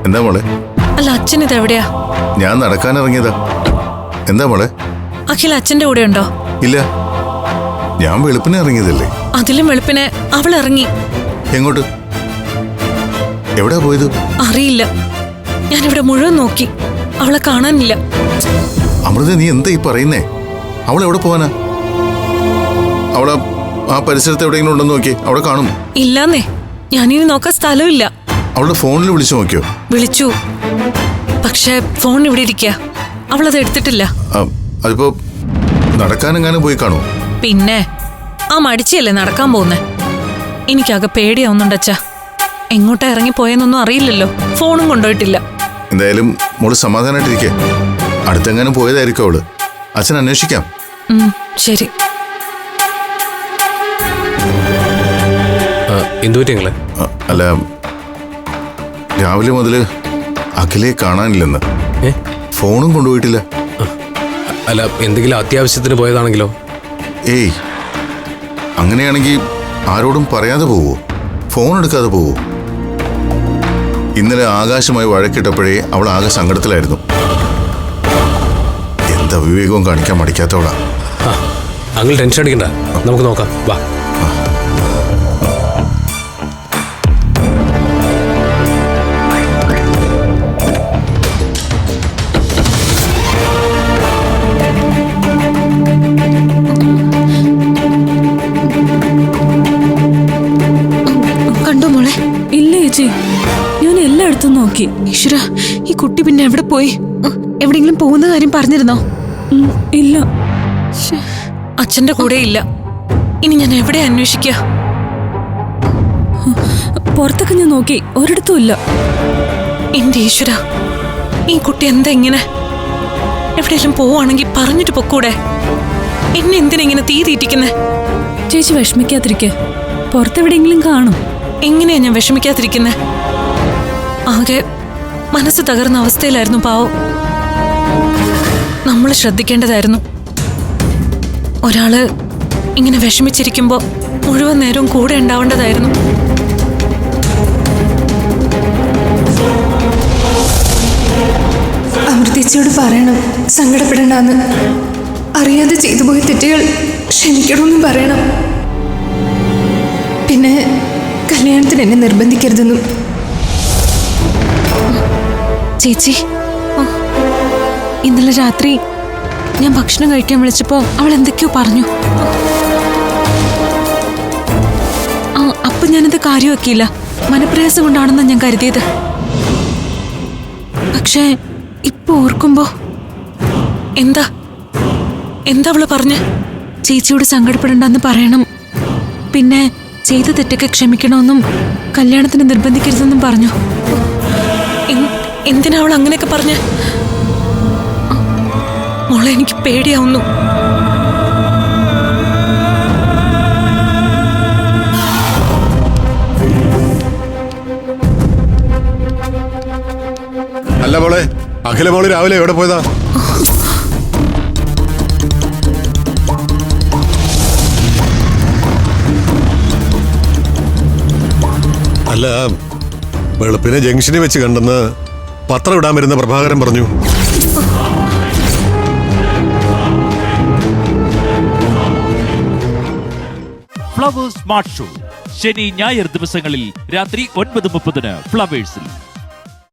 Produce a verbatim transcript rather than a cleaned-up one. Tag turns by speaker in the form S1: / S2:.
S1: എന്താ മോളെ?
S2: അല്ല, അച്ഛൻ ഇത് എവിടെയാ?
S1: ഞാൻ നടക്കാൻ ഇറങ്ങിയതാ. എന്താ മോളെ?
S2: അഖിൽ അച്ഛന്റെ കൂടെ ഉണ്ടോ?
S1: ഇല്ല, ഞാൻ വെളുപ്പിനെ ഇറങ്ങിയതല്ലേ.
S2: അതിലും വെളുപ്പിനെ അവൾ ഇറങ്ങി.
S1: എങ്ങോട്ട്? എവിടാ പോയത്?
S2: അറിയില്ല. ഞാൻ ഇവിടെ മുഴുവൻ നോക്കി, അവളെ കാണാനില്ല.
S1: അമൃത, നീ എന്താ ഈ പറയുന്നേ? അവൾ എവിടെ പോവാനാ? അവളെ ആ പരിസരത്ത് എവിടെയെങ്കിലും ഉണ്ടെന്ന് നോക്കി, അവിടെ കാണും.
S2: ഇല്ലാന്നേ, ഞാനിനി നോക്കാൻ സ്ഥലമില്ല.
S1: അവളുടെ ഫോണിൽ വിളിച്ചു നോക്കിയോ?
S2: വിളിച്ചു, പക്ഷെ ഫോൺ ഇവിടെ ഇരിക്കുക, അവളത് എടുത്തിട്ടില്ല.
S1: അതിപ്പോ നടക്കാനെങ്ങാനും പോയി കാണൂ.
S2: പിന്നെ ആ മടിച്ചല്ലേ നടക്കാൻ പോകുന്നേ. എനിക്കാകെ പേടിയാവുന്നുണ്ടച്ചാ. എങ്ങോട്ടാ ഇറങ്ങിപ്പോയെന്നൊന്നും അറിയില്ലല്ലോ, ഫോണും കൊണ്ടുപോയിട്ടില്ല.
S1: എന്തായാലും മോള് സമാധാനായിട്ടിരിക്കേ. അടുത്തെങ്ങാനും പോയതായിരിക്കും അവള്. അച്ഛൻ അന്വേഷിക്കാം.
S2: ശരി.
S1: അല്ല, രാവിലെ മുതല് അഖിലെ കാണാനില്ലെന്ന്. ഫോണും കൊണ്ടുപോയിട്ടില്ല.
S3: അല്ല, എന്തെങ്കിലും അത്യാവശ്യത്തിന് പോയതാണെങ്കിലോ?
S1: ഏയ്, അങ്ങനെയാണെങ്കിൽ ആരോടും പറയാതെ പോവോ? ഫോൺ എടുക്കാതെ പോവോ? ഇന്നലെ ആകാശമായി വഴക്കിട്ടപ്പോഴേ അവൾ ആകെ സങ്കടത്തിലായിരുന്നു. എന്താ വിവേകവും കാണിക്കാൻ മടിക്കാത്തവളാ.
S3: അങ്ങനെ ടെൻഷൻ അടിക്കണ്ട, നമുക്ക് നോക്കാം, വാ.
S2: കണ്ടോ മോളെ?
S4: ഇല്ല ചേച്ചി, ഞാൻ എല്ലായിടത്തും നോക്കി.
S2: ഈശ്വര, ഈ കുട്ടി പിന്നെ എവിടെ പോയി? എവിടെയെങ്കിലും പോകുന്ന കാര്യം പറഞ്ഞിരുന്നോ?
S4: ഇല്ല.
S2: അച്ഛന്റെ കൂടെ ഇല്ല. ഇനി ഞാൻ എവിടെ അന്വേഷിക്കുക?
S4: പുറത്തൊക്കെ ഞാൻ നോക്കി, ഒരിടത്തും ഇല്ല.
S2: എന്റെ ഈശ്വര, ഈ കുട്ടി എന്താ ഇങ്ങനെ? എവിടെയെങ്കിലും പോവാണെങ്കിൽ പറഞ്ഞിട്ട് പൊക്കൂടെ? എന്നെ എന്തിനെങ്ങനെ തീ തീറ്റിക്കുന്നേ?
S4: ചേച്ചി വിഷമിക്കാതിരിക്കെ, പുറത്തെവിടെയെങ്കിലും കാണും.
S2: എങ്ങനെയാ ഞാൻ വിഷമിക്കാതിരിക്കുന്നേ? ആകെ മനസ്സ് തകർന്ന അവസ്ഥയിലായിരുന്നു പാവം. നമ്മൾ ശ്രദ്ധിക്കേണ്ടതായിരുന്നു. ഒരാള് ഇങ്ങനെ വിഷമിച്ചിരിക്കുമ്പോ മുഴുവൻ നേരവും കൂടെ ഉണ്ടാവേണ്ടതായിരുന്നു.
S5: അമൃതേച്ചിയോട് പറയണം സങ്കടപ്പെടണ്ടെന്ന്. അറിയാതെ ചെയ്തു പോയ തെറ്റുകൾ ക്ഷമിക്കണമെന്നും പറയണം. പിന്നെ കല്യാണത്തിന് എന്നെ നിർബന്ധിക്കരുതെന്നും.
S2: ചേച്ചി, ഇന്നലെ രാത്രി ഞാൻ ഭക്ഷണം കഴിക്കാൻ വിളിച്ചപ്പോ അവൾ എന്തൊക്കെയോ പറഞ്ഞു. ആ അപ്പൊ ഞാനത് കാര്യമാക്കിയില്ല. മനപ്രയാസം കൊണ്ടാണെന്നാ ഞാൻ കരുതിയത്. പക്ഷേ ഇപ്പൊ ഓർക്കുമ്പോ എന്താ എന്താ അവള് പറഞ്ഞ്? ചേച്ചിയോട് സങ്കടപ്പെടണ്ടെന്ന് പറയണം, പിന്നെ ചെയ്ത തെറ്റൊക്കെ ക്ഷമിക്കണമെന്നും കല്യാണത്തിന് നിർബന്ധിക്കരുതെന്നും പറഞ്ഞു. എന്തിനാ അവൾ അങ്ങനെയൊക്കെ പറഞ്ഞ്? മോളെ, എനിക്ക് പേടിയാവുന്നു.
S6: അല്ല മോളെ, അഖില മോള് രാവിലെ എവിടെ പോയതാ? അല്ല, വെളുപ്പിനെ ജംഗ്ഷനിൽ വെച്ച് കണ്ടെന്ന് പത്രം ഇടാൻ വരുന്ന പ്രഭാകരൻ പറഞ്ഞു.
S7: ഫ്ലവേഴ്സ് സ്മാർട്ട് ഷോ ശനി ഞായർ ദിവസങ്ങളിൽ രാത്രി ഒൻപത് മുപ്പതിന് ഫ്ലവേഴ്സിൽ.